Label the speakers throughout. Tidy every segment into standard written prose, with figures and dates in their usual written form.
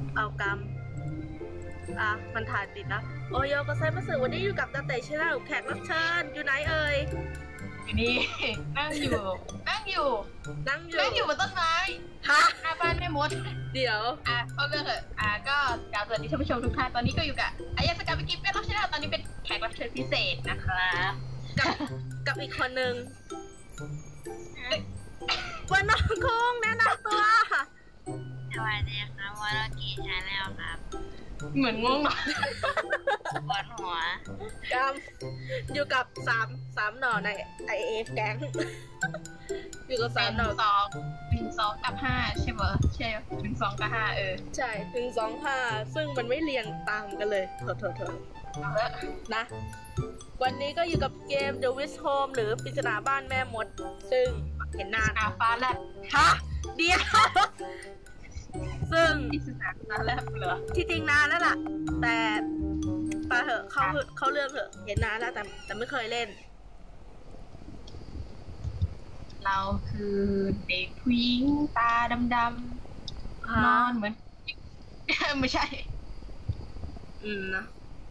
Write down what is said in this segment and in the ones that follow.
Speaker 1: เอากำมันถ่ายติดนะโอโยก็ไซมาสึวันนี้อยู่กับตาเตะชแนลแขกรับเชิญอยู่ไหนเอ่ย
Speaker 2: อยู่นี่ นั่งอยู่บนต้นไม้
Speaker 1: ฮะ
Speaker 2: หน้าบ้านแม่มด
Speaker 1: เดี๋ยว
Speaker 2: เข้าเรื่องเถอะก็กล่าวสวัสดีท่านผู้ชมทุกท่านตอนนี้ก็อยู่กับอายาสกาไปกินเป็นรับเชิญตอนนี้เป็นแขกรับเชิญพิเศษนะครับ
Speaker 1: กับอีกคนหนึ่งวันน้องคงแนะนำตัว
Speaker 3: สวัสดีครับวอลกี้ชาแนลครับ
Speaker 2: เหมือนง่วงนอน
Speaker 3: ปวดหัว
Speaker 1: อยู่กับสามหน่อในIF แก๊งอยู่กับ3 หน่อ
Speaker 2: 1 2 กับ 5ใช่ไหมใช่1 2 กับ 5
Speaker 1: ใช่1 2 5ซึ่งมันไม่เรียงตามกันเลยเถอะนะวันนี้ก็อยู่กับเกม The Wish Home หรือปริศนาบ้านแม่มดซึ่งเห็นนาน
Speaker 2: ฟ้าแลบ
Speaker 1: ฮะเดียวซึ่ง
Speaker 2: ปริศนาฟ้าแลบเหรอ
Speaker 1: ที่จริงนานแล้วล่ะแต่ไปเถอะเขาเรื่องเถอะเห็นนานแล้วแต่ไม่เคยเล่น
Speaker 2: เราคือเด็กผู้หญิงตาดำๆนอนเหมือนไม่ใช่
Speaker 1: นะ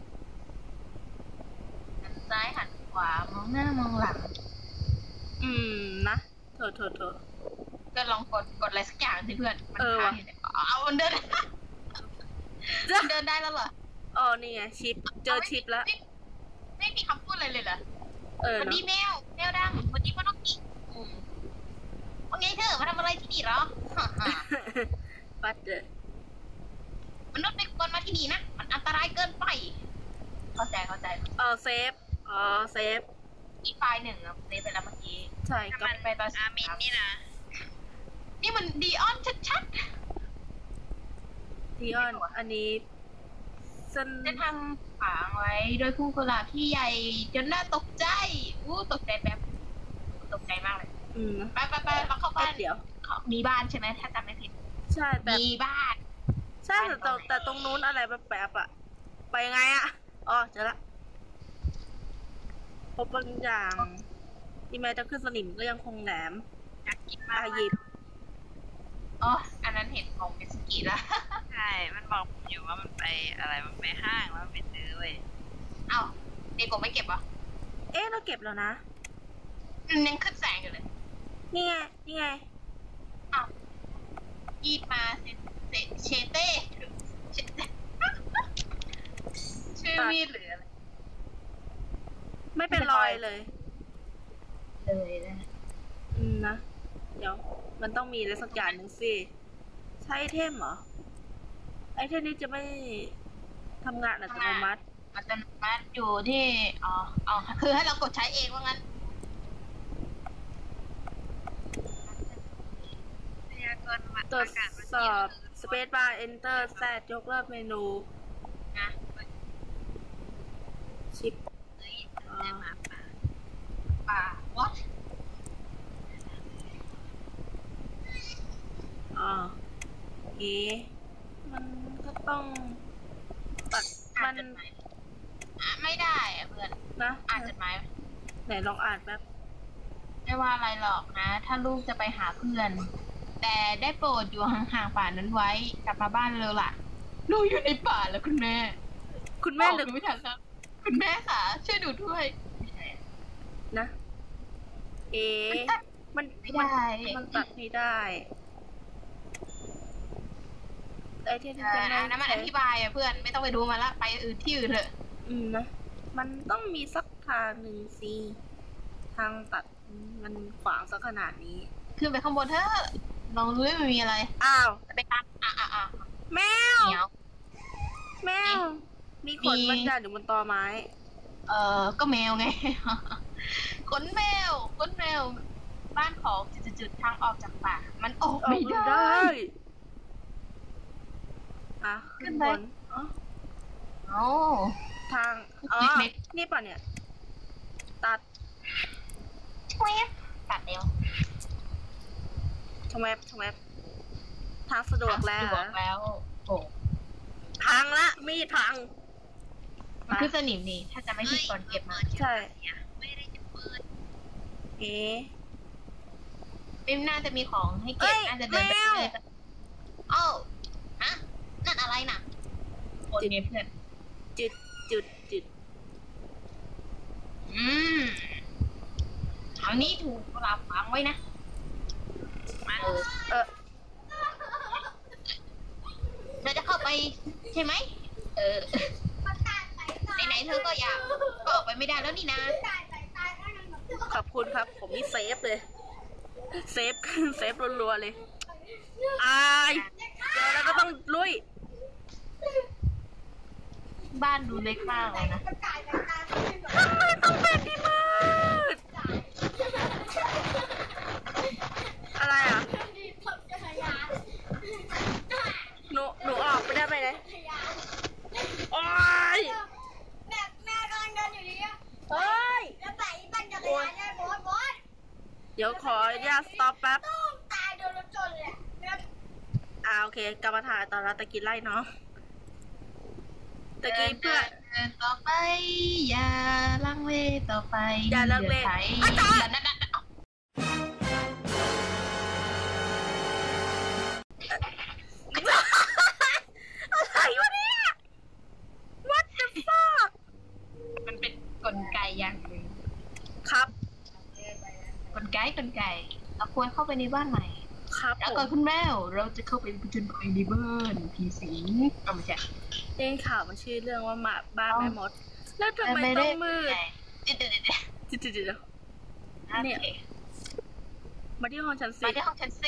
Speaker 2: หันซ้ายหันขวามองหน้ามองหลัง
Speaker 1: นะเถอะ
Speaker 2: ก็ลองกดอะไรสักอย่างสิเพื่อนมันเอามันเดินได้แล้วเหรอ
Speaker 1: นี่ไงชิปเจอชิปแล้ว
Speaker 2: ไม่มีคำพูดอะไรเลยเหรอวันนี้แมวดังวันนี้พ่อน้องกิ๊กว่าไงเธอมาทำอะไรที่นี่เหรอ
Speaker 1: ปัดเลย
Speaker 2: มนุษย์ไม่ควรมาที่นี่นะมันอันตรายเกินไปเข้าใจ
Speaker 1: เซฟ
Speaker 2: อีไฟล์1เซฟไปแล้วเมื่อกี้
Speaker 1: ใช่
Speaker 3: ก็ไปตอนอามินนี่นะ
Speaker 2: นี่มันดีออนชัด
Speaker 1: ดีออนอันนี้
Speaker 2: จะทำฝังไว้โดยผู้กุหลาบที่ใหญ่จนน่าตกใจตกใจแบบตกใจมากเลยไปเราเข้าบ้าน
Speaker 1: เดี๋ยว
Speaker 2: มีบ้านใช่ไหมถ้าจำไม่ผิด
Speaker 1: ใช่แต่
Speaker 2: มีบ้าน
Speaker 1: ใช่แต่ตรงนู้นอะไรแบบอะไปยังไงอะเจอละพบบางอย่างที่แม้จะขึ้นสนิมก็ยังคงแหลม
Speaker 2: อยากกินมาก
Speaker 1: หยิบ
Speaker 2: อันนั้นเห็นของมิสกิแล้ว
Speaker 3: ใช่มันบอกอยู่ว่ามันไปอะไรมันไปห้างแล้วไปซื้อเว้ย
Speaker 2: เด็กผมไม่เก็บเหรอ
Speaker 1: เราเก็บแล้วนะ
Speaker 2: ยังขึ้นแสงอยู่เลย
Speaker 1: นี่ไง
Speaker 2: ยีดมาเชเต้ชื่อมีดหรืออะไร
Speaker 1: ไม่เป็นรอยเลยนะเดี๋ยวมันต้องมีอะไรสักอย่างหนึ่งสิใช้ไอเทมเหรอไอเทมนี้จะไม่ทำงานอัตโนมัติ
Speaker 2: อยู่ที่คือให้เรากดใช้เองว่างั้น
Speaker 1: ตรวจสอบ Space Bar Enter แซดยกเลิกเมนูชิป
Speaker 2: what
Speaker 1: มันก็ต้องตัดมัน
Speaker 2: ไม่ได้เพื่อน
Speaker 1: นะ
Speaker 2: อ่านจดหมาย
Speaker 1: ไหนลองอ่านแป๊บ
Speaker 2: ไม่ว่าอะไรหรอกนะถ้าลูกจะไปหาเพื่อนแต่ได้โปรดอยู่ห่างๆป่านั้นไว้กลับมาบ้านเร็วล่ะลูกอยู่ในป่าแล้วคุณแม่หรือไม่ทันแล้วคุณแม่ค่ะช่วยดูด้วย
Speaker 1: นะมัน
Speaker 2: ไม่ได้
Speaker 1: มันตัดไม่ได้ไอเทมจะ
Speaker 2: มันอธิบายเพื่อนไม่ต้องไปดูมาละไปที่อื่นเถอะ
Speaker 1: นะมันต้องมีสักทางหนึ่งสิทางตัดมันขวางสักขนาดนี้
Speaker 2: ขึ้นไปข้างบนเถอะลองดูว่ามันมีอะไรไปตาม
Speaker 1: แมวมีขนบางอย่างอยู่บนตอไม้
Speaker 2: ก็แมวไงขนแมวบ้านของจุดๆทางออกจากป่ามันออกไม่ได้
Speaker 1: ขึ้นบนทางนี่ป่ะเนี่ยตัด
Speaker 2: เร็ว
Speaker 1: ชงแวบทางสะดวกแล้วพังละมีดพัง
Speaker 2: มันคือสนิมนี่ถ้าจะไม่ผิดก่อนเก็บมา
Speaker 1: ใช่
Speaker 3: ไม่ได้จะเปิด
Speaker 2: ไม่น่าจะมีของให้เก็บน่าจะเดินไปเลยนั่นอะไรคนไงเพื่อน
Speaker 1: จุด
Speaker 2: เอานี่ถูกเราฝังไว้นะเราจะเข้าไปใช่ไหมไหนเธอก็อยากก็ออกไปไม่ได้แล้วนี่นะ
Speaker 1: ขอบคุณครับผมนี่เซฟเลยเซฟรัวๆเลยเจอแล้วก็ต้องลุย
Speaker 2: บ้านดูเล็กมากเลยนะ
Speaker 1: ทำไมต้องเป็นที่มืดอะไรอ่ะหนูออกไปได้ไหมเนี่ยโอ๊ย
Speaker 4: แม่กำลังเดินอยู่ดีอ่ะ
Speaker 1: เฮ้ย
Speaker 4: แล้วไปปั่นจักรยานได้บอส
Speaker 1: เดี๋ยวขออนุญาตสต็อปแป๊บ
Speaker 4: ตายโดนรถชนเลย
Speaker 1: โอเคกลับมาถ่ายตอนเราตะกี้ไล่เนาะตะกี้เพื่อ
Speaker 2: ต่อไปอย่าลังเลต่อไป
Speaker 1: อย่าลังเล
Speaker 2: อาจารย์
Speaker 1: อะไรวะเนี่ย What the fuck
Speaker 2: มันเป็นกลไกอย่างหนึ่ง
Speaker 1: ครับ
Speaker 2: กลไกเราควรเข้าไปในบ้านใหม่
Speaker 1: ครับ
Speaker 2: แล้วก่อนคุณแมวเราจะเข้าไปผจญภัยในบ้านผีสิงไม่ใช่
Speaker 1: เรื่องข่าวมันชื่อเรื่องว่าบ้านแม่มดแล้วทำไมต้องมืดเนี่ยมาที่ห้องชั้น4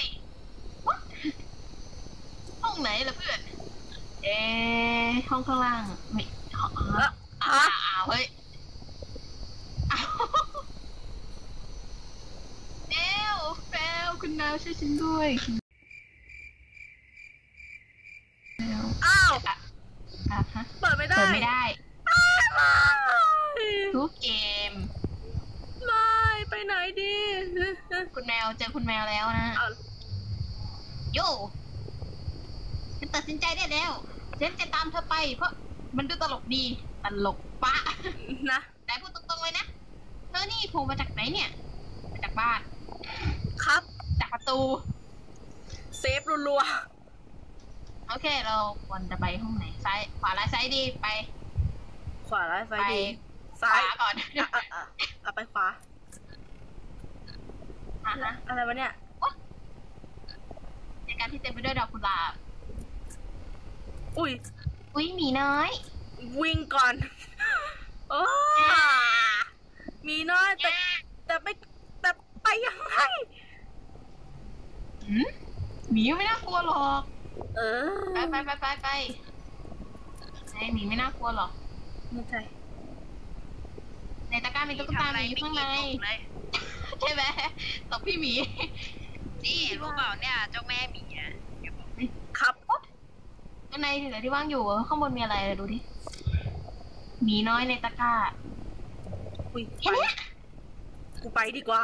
Speaker 2: ห้องไหนล่ะเพื่อนห้องข้างล่างไม่เฮ้ยแมวคุณแมวช่วยฉันด้วย
Speaker 1: เปิดไม่ได้
Speaker 2: ทุกเกม
Speaker 1: ไม่ไปไหนดี
Speaker 2: คุณแมวเจอคุณแมวแล้วนะโย่ฉันตัดสินใจได้แล้วฉันจะตามเธอไปเพราะมันดูตลกดีตลกปะ
Speaker 1: นะ
Speaker 2: แต่พูดตรงๆเลยนะเธอนี่โผล่มาจากไหนเนี่ยมาจากบ้าน
Speaker 1: ครับ
Speaker 2: จากประตู
Speaker 1: เซฟรัว
Speaker 2: ๆโอเคเราควรจะไปห้องไหนซ้ายขวาซ้ายดีไป
Speaker 1: ขวาซ้ายดีซ้าย
Speaker 2: ก่อน
Speaker 1: ไปขวาอะไรวะเนี่ย
Speaker 2: ในการที่เต็มไปด้วยดอกกุหลาบ
Speaker 1: อุ้ย
Speaker 2: หมีน้อย
Speaker 1: วิ่งก่อนโอ้มีน้อยแต่ไปยังไง
Speaker 2: หมีไม่น่ากลัวหรอกไปหมีไม่น่ากลัวหรอก
Speaker 1: ไม่ใช่
Speaker 2: ในตะกร้ามีตุ๊กตาหมีอยู่ข้างในใช่ไหมตบพี่หมี
Speaker 3: นี่รู้เปล่าเนี่ยเจ้าแม่หมี
Speaker 1: ครับ
Speaker 2: ข้างในเหลือที่ว่างอยู่ข้างบนมีอะไรดูดิหมีน้อยในตะกร้า
Speaker 1: เห็นไหมกูไปดีกว่า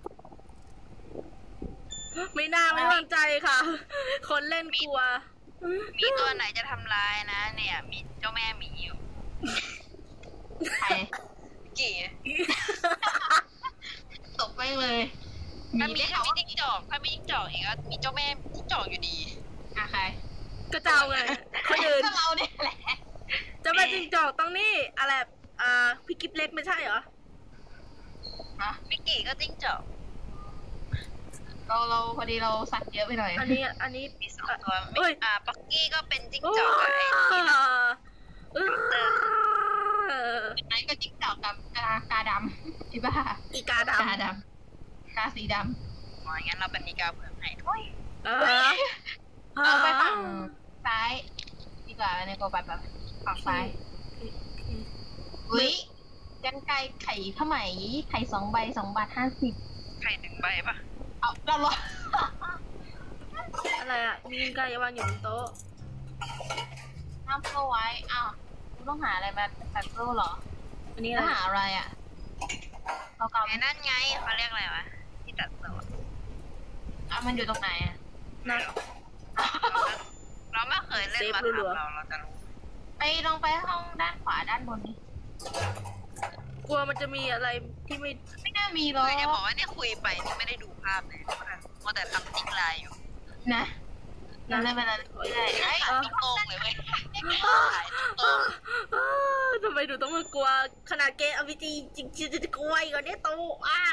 Speaker 1: ไม่น่าไม่วางใจค่ะคนเล่นกลัว
Speaker 3: มีตัวไหนจะทำลายนะเนี่ยมีเจ้าแม่หมีอยู่
Speaker 2: ใคร
Speaker 3: กี่
Speaker 2: ตบไปเลย
Speaker 3: ถ้ามีจิ้งจอกเองก็มีเจ้าแม่จิ้งจอกอยู่ดี
Speaker 2: ใคร
Speaker 1: ก็เจ้าไงคนอื่น
Speaker 2: ก็เราเนี่ยแหละ
Speaker 1: เจ้าแม่จิ้งจอกต้องนี่อะไรพี่กิ๊บเล็กไม่ใช่เหรอ
Speaker 3: มิกกี้ก็จิ้งจอก
Speaker 2: เราพอดีเราสัตว์เยอะไปหน่อย
Speaker 1: อันนี้
Speaker 3: มี2ตัวปักกี้ก็เป็นจิ้งจอก
Speaker 2: ไหนก็จิ้งจอกกับกาดำอีบ้า
Speaker 1: อีกาด
Speaker 2: ำกาสีด
Speaker 3: ำงั้นเราเป็นอีกาเผือกให้
Speaker 2: เอาไปฝั่งซ้ายดีกว่าในโกแบบฝั่งซ้ายอุ้ยกันไก่ไข่ข้าวไหมไข่2 ใบ2.50
Speaker 3: ไข่1 ใบปะ
Speaker 2: เอาเราหรอ
Speaker 1: อะไรมีไก่วางอยู่บนโต๊ะ
Speaker 2: น้ำโซ่ไว้ต้องหาอะไรมาตัดโซ่หรออันนี้หาอะไร
Speaker 3: เขาเก่านั่นไงเขาเรียกอะไรวะที่ตัดโซ่
Speaker 2: มันอยู่ตรงไหน
Speaker 1: นั่น
Speaker 3: เราไม่เคยเล่นมาทำเราจะรู้
Speaker 2: ลองไปห้องด้านขวาด้านบนนี้
Speaker 1: กลัวมันจะมีอะไรที่
Speaker 2: ไม่น่ามีหรอก
Speaker 3: จะบอกว่าเนี่ยคุยไปนี่ไม่ได้ดูภาพเลยเพราะแต่ทำติ๊กไลน์อยู่
Speaker 2: นะนั่นไม่เป็นไร
Speaker 3: ไอ้ติ๊กโกงเลยเลยเว้ย
Speaker 1: ทำไมหนูต้องมากลัวขนาดเกม RPG จริงๆจะกลัวอีกเหรอเนี่ยตู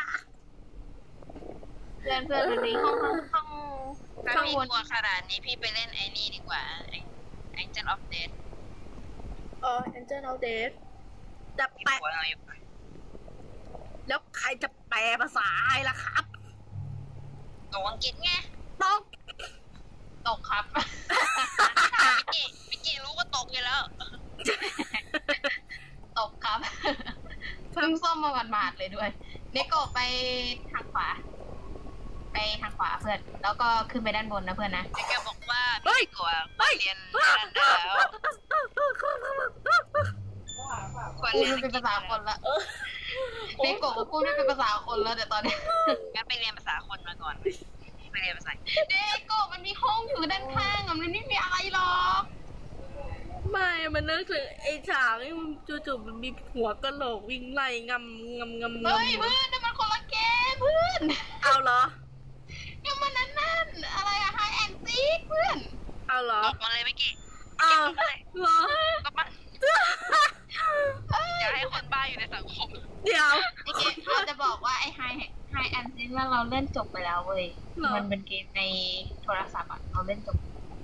Speaker 2: เพื่อนวันนี้ห้อง
Speaker 3: ถ้าพี่กลัวขนาดนี้พี่ไปเล่นไอ้นี่ดีกว่า Angel of Death
Speaker 1: Angel of Death จะ
Speaker 3: ที่
Speaker 1: แปล
Speaker 3: หัวเราอยู่
Speaker 1: แล้วใครจะแปลภาษาไทยล่ะครับ
Speaker 3: ตัวอังกฤษไง
Speaker 2: ตกครับ
Speaker 3: พี่กี้รู้ก็ตกอยู่แล้ว
Speaker 2: ตกครับเพิ่งซ่อมมาหมาดๆเลยด้วยเนโกะไปทางขวาเพื่อนแล้วก็ขึ้นไปด้านบนนะเพื่อนนะ
Speaker 3: แกบอกว่าพี่กลัวเรียนนั่นได้แล้ว
Speaker 2: กูไม่เป็นภาษาคนละเนโกะกูไม่เป็นภาษาคนแล้วแต่ตอนนี้
Speaker 3: งั้นไปเรียนภาษาคนมาก่อนไปเรียนภาษา
Speaker 2: เนโกะมันมีห้องอยู่ด้านข้างมันไม่มีอะไรหรอก
Speaker 1: ไม่มันนึกถึงไอ้ฉากที่มันจู่ๆมันมีหัวกะโหลกวิ่งไล่งำ
Speaker 2: เฮ้ยเพื่อนนั่นมันคนละเกมเพื่อน
Speaker 1: เอาเหรอ
Speaker 2: ยังมันนั่นอะไรอะไฮแอนซีเพื่อน
Speaker 1: เอาเหรอ
Speaker 3: ตกมาเลยพี่กี้
Speaker 1: เอาเหรอ
Speaker 3: ตกมาอย่าให้คนบ้าอยู่ในสังคม
Speaker 1: เดี๋ยว
Speaker 2: ไอเกมเราจะบอกว่าไอไฮแอนซีว่าเราเล่นจบไปแล้วเว้ยมันเป็นเกมในโทรศัพท์อะเราเล่นจบ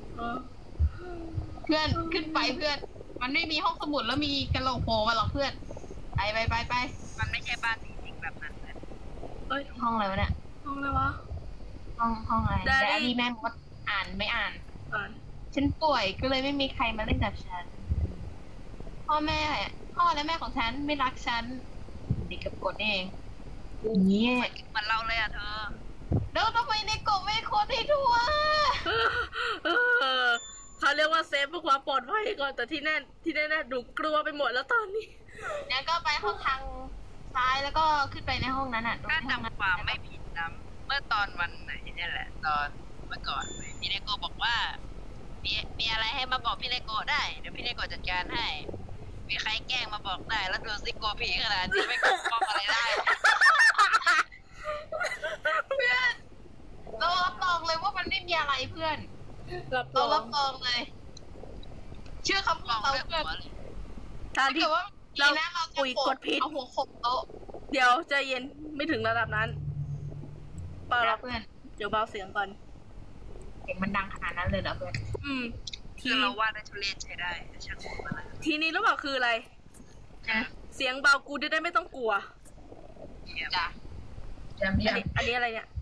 Speaker 2: เพื่อนขึ้นไปเพื่อนมันไม่มีห้องสมุดแล้วมีกระโหลกโผล่มาหรอกเพื่อนไป
Speaker 3: มันไม่ใช่บ้านจริงๆแบบนั้นเลย
Speaker 1: เอ้ย
Speaker 2: ห้องอะไรวะเนี่ย
Speaker 1: ห้องอะไรวะ
Speaker 2: ห้องอะไรแต่อันนี้แม่มดอ่านไม่อ่าน ฉันป่วยก็เลยไม่มีใครมาเล่นกับฉันพ่อและแม่ของฉันไม่รักฉันเด็กกับกดเองเนี่ย
Speaker 3: เหมือนเราเลยอ่ะเธอ
Speaker 2: แล้วทำไมในกบไม่คนให้ทั่ว
Speaker 1: เขาเรียกว่าเซฟเพื่อความปลอดภัยก่อนแต่ที่แน่ดูกลัวไปหมดแล้วตอนนี้
Speaker 2: งั้นก็ไปห้องทางซ้ายแล้วก็ขึ้นไปในห้องนั้นอ่ะ
Speaker 3: ถ้าจำความไม่ผิดนะเมื่อตอนวันไหนเนี่ยแหละตอนเมื่อก่อนพี่เลโก้บอกว่ามีอะไรให้มาบอกพี่เลโก้ได้เดี๋ยวพี่เลโก้จัดการให้มีใครแกล้งมาบอกได้แล้วดูซิโกผีขนาดนี้ไม่ปกป้องอะไรได้
Speaker 2: เพื่อนเรารับรองเลยว่ามันไม่มีอะไรเพื่อนเรารับรองเลยเชื่อคำพูดเราเพื่อน
Speaker 1: ถ้าที่เราปุ๋ยกดผิด
Speaker 2: เอาหัวขบโต๊ะ
Speaker 1: เดี๋ยวใจเย็นไม่ถึงระดับนั้นเปล่า
Speaker 2: เพื่อน
Speaker 1: เดี๋ยวเบาเสียงก่อน
Speaker 2: เสียงมันดังขนาดนั้นเลยเหรอเพื่อน
Speaker 3: ทีเราว่าได้ทุเรศใช้ได้ช่างมันอะไร
Speaker 1: ทีนี้รู้เปล่าคืออะไรเสียงเบากูได้ไม่ต้องกลัว
Speaker 2: จ้ะ
Speaker 1: อันนี้อะไรเนี่ย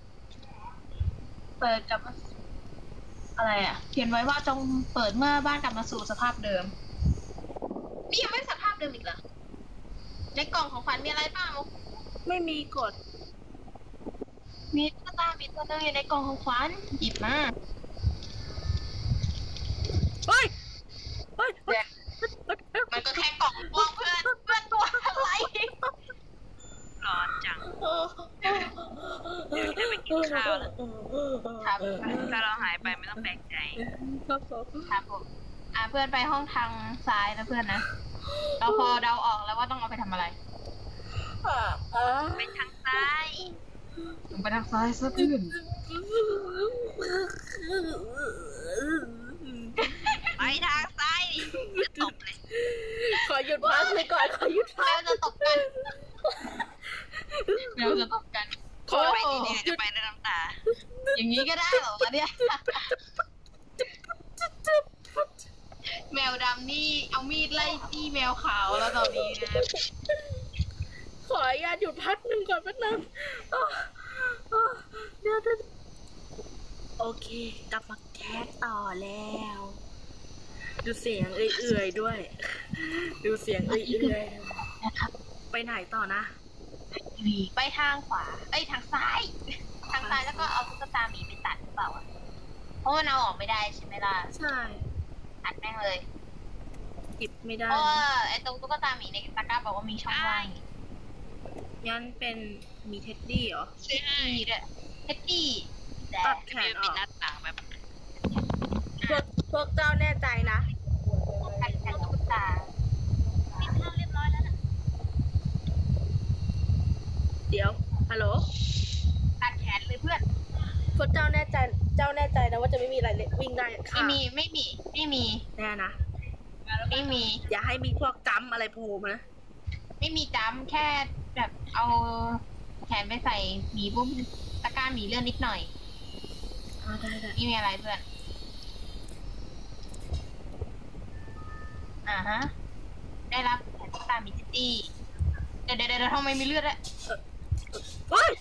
Speaker 2: เปิดกับอะไรอ่ะเขียนไว้ว่าจงเปิดเมื่อบ้านกลับมาสู่สภาพเดิมนี่ยังไม่สภาพเดิมอีกเหรอในกล่องของขวัญมีอะไรบ้าง
Speaker 1: ไม่มีกด
Speaker 2: มีตุ๊กตามีตัวนึงอยู่ในกล่องของขวัญหยิบมา
Speaker 1: เฮ้ย
Speaker 2: มันก็แค่กล่องพวกเพื่อนตัวอะไร
Speaker 3: ร้อนจังเดี๋ยวจะไปกินข้าวแล้วถ้าเราหายไปไม่ต้องแปลกใจ
Speaker 2: ครับผมเพื่อนไปห้องทางซ้ายนะเพื่อนนะเราพอเดาออกแล้วว่าต้องเอาไปทำอะไร
Speaker 3: ไปทางซ้าย
Speaker 2: ไปทางซ้ายซะเพื่อน
Speaker 3: ไปทางซ้ายจะตบเลย
Speaker 1: ขอหยุดพักเลยก่อนขอหยุดพัก
Speaker 2: จะตบกันเราจะตบกัน
Speaker 3: ขอไปดีๆจะไปด้วยน้ำตา
Speaker 2: อย่างนี้ก็ได้เหรอเนี่ยแมวดำนี่เอามีดไล่จี้แมวขาวแล้วตอนนี้นะ
Speaker 1: ขออนุญาตหยุดพักหนึ่งก่อนแป๊บนึงเดี๋ยวโอเคกลับมาแคสต่อแล้วดูเสียงเอื่อยๆด้วยดูเสียงเอื่อยๆ
Speaker 2: นะครับ
Speaker 1: ไปไหนต่อนะ
Speaker 2: ไปทางขวาทางซ้ายแล้วก็เอาตุ๊กตาหมีไปตัดหรือเปล่าเพราะว่าเราออกไม่ได้ใช่ไหมล่ะ
Speaker 1: ใช่
Speaker 2: อัดแม่งเลย
Speaker 1: หยิบไม่ได้
Speaker 2: เพราะว่าไอ้ตรงตุ๊กตาหมีในตะกร้าบอกว่ามีช่องว่าง
Speaker 1: งั้นเป็นมีเท็ดดี้เหรอ
Speaker 3: ใช่
Speaker 2: ด้วยเท็ดดี้
Speaker 1: ตัดแขนออก
Speaker 3: หน้าต่างแบบ
Speaker 1: พวกเจ้าแน่ใจนะ
Speaker 2: ตัดแขนตุ๊กตาติดตั้งเรียบร้อยแล้วนะ
Speaker 1: เดี๋ยวฮัลโหล
Speaker 2: ตัดแขนเลยเพื่อน
Speaker 1: พวกเจ้าแน่ใจนะว่าจะไม่มีอะไรวิ่งได้ค่ะ
Speaker 2: ไม่มี
Speaker 1: แน่นะ
Speaker 2: ไม่มี
Speaker 1: อย่าให้มีพวกจำอะไรโผล่มานะ
Speaker 2: ไม่มีจ้ำแค่แบบเอาแขนไปใส่หมีบุ้มตะกร้าหมีเลื่อนนิดหน่อย
Speaker 1: ได้
Speaker 2: ไม่มีอะไรเพื่อนฮะได้รับแขนตามีซิตี้เดี๋ยวทำไมมีเลือดอะ
Speaker 1: เฮ้ย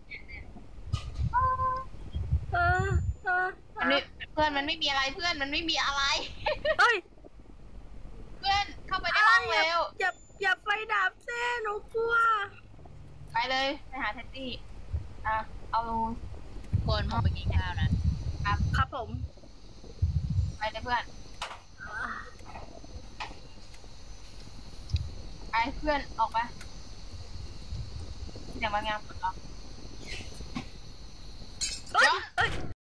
Speaker 2: เพื่อนมันไม่มีอะไรเพื่อนมันไม่มีอะไร
Speaker 1: เฮ้ย
Speaker 2: เพื่อนเข้าไปในห้องเร็ว
Speaker 1: อย่าไฟดับเซ่หนูกลัว
Speaker 2: ไปเลยไปหาแท็กซี่เอา
Speaker 3: คนผมไปกินข้าวนะครับ
Speaker 1: ครับผม
Speaker 2: ไปเลยเพื่อนไปเพื่อนออกไปเดี๋ยวมางานปลดล็อก
Speaker 1: เฮ้ย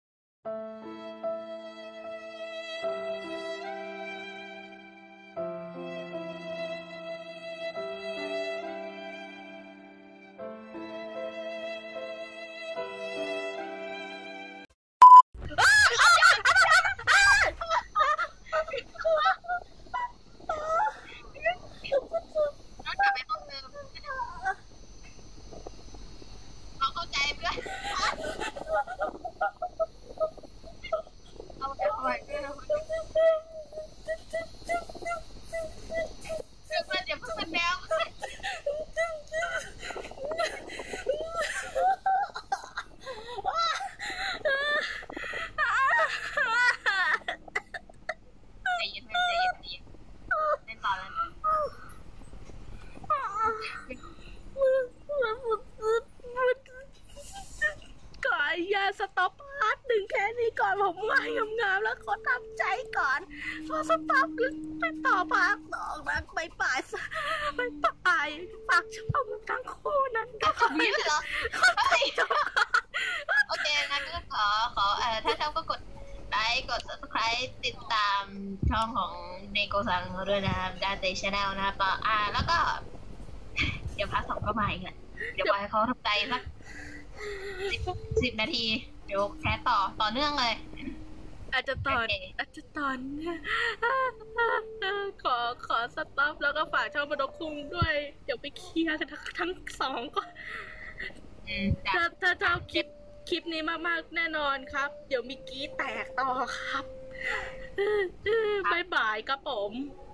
Speaker 2: น้องกลับไปห้องเดิมเราเข้าใจเพื่อนเอาไปเพื่อนเพื่อนอย่าเพิ่งเป็นแมวใจเย็นเล่นต่อแล้ว
Speaker 1: ขออนุญาตสต็อปพาร์ทหนึ่งแค่นี้ก่อนผมว่ายงามๆแล้วขอทำใจก่อนขอสต็อปไปต่อพาร์ทสองนะไปป่ายฝากช่องทั้งคู่นั้นด้วย
Speaker 2: มีเลยเหรอโอเคงั้นก็ขอถ้าชอบก็กดไลค์กด subscribe ติดตามช่องของเนโกซังเขาด้วยนะครับดาเตชแนลนะครับแล้วก็เดี๋ยวพาร์ทสองก็มาอีกแหละเดี๋ยวปล่อยให้เขาทำใจสัก10 นาทีเดี๋ยวแคสต่อเนื่องเลย
Speaker 1: อาจจะตอนขอสต็อปแล้วก็ฝากช่องบดคุงด้วยเดี๋ยวไปเคลียร์กันทั้งสองก่อนถ้าชอบคลิปนี้มากๆแน่นอนครับ เดี๋ยวมีกี้แตกต่อครับบ๊ายบายครับผม